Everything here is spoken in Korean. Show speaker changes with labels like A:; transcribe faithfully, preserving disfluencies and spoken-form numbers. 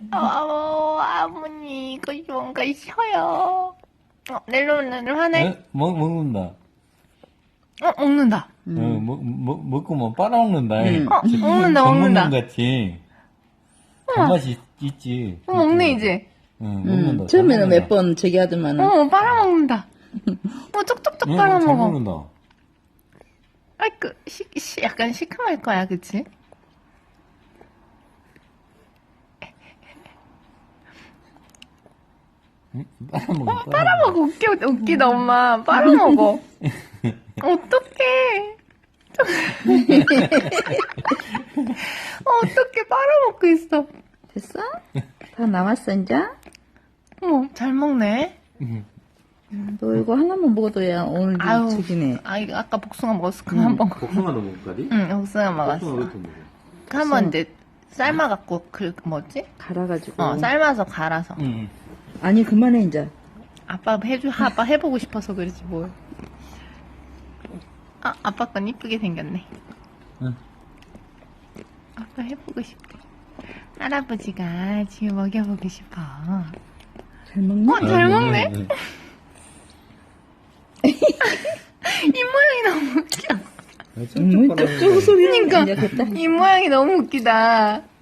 A: 어, 아버님, 이거 뭔가 쉬어요. 어, 넬로넬로 하네.
B: 어? 먹, 먹는다.
A: 어, 먹는다.
B: 어, 먹, 먹, 먹고 뭐 빨아먹는다.
C: 음.
A: 어, 먹는다, 먹는다.
B: 전문용 같이. 단맛이 있지.
A: 어, 먹네, 이제.
B: 응,
C: 음,
B: 먹는다.
C: 처음에는 몇 번 저기 하더만은.
A: 어, 빨아먹는다. 어, 쪽쪽쪽
B: 응, 잘
A: 빨아먹어.
B: 먹는다.
A: 아이, 그, 시, 시, 약간 시큼할 거야, 그치?
B: 응? 빨아먹어.
A: 빨아먹어, 웃겨, 웃기다, 엄마. 빨아먹어. 어떡해. 어, 어떡해, 빨아먹고 있어.
C: 됐어? 다 나왔어, 이제?
A: 어머, 잘 먹네.
B: 응.
C: 너 이거 하나만 먹어도야 오늘
A: 아유,
C: 죽이네.
A: 아, 이거 아까 복숭아 먹었어. 그거 한 번.
B: 복숭아도 먹을까지?
A: 응, 복숭아
B: 복숭아
A: 먹었어.
B: 왜 이렇게 먹어?
A: 한번 이제 삶아갖고, 그, 뭐지?
C: 갈아가지고.
A: 어, 삶아서 갈아서.
B: 응.
C: 아니, 그만해, 이제.
A: 아빠 해주, 아빠 해보고 싶어서 그러지, 뭘. 아, 아빠 건 이쁘게 생겼네.
B: 응.
A: 아빠 해보고 싶대. 할아버지가 지금 먹여보고 싶어.
C: 잘 먹나?
A: 어, 잘 먹네? 이 모양이 너무 웃겨.
C: 음, 쪽쪽 소리는
A: 그러니까.
C: 이제 됐다.
A: 이 모양이 너무 웃기다.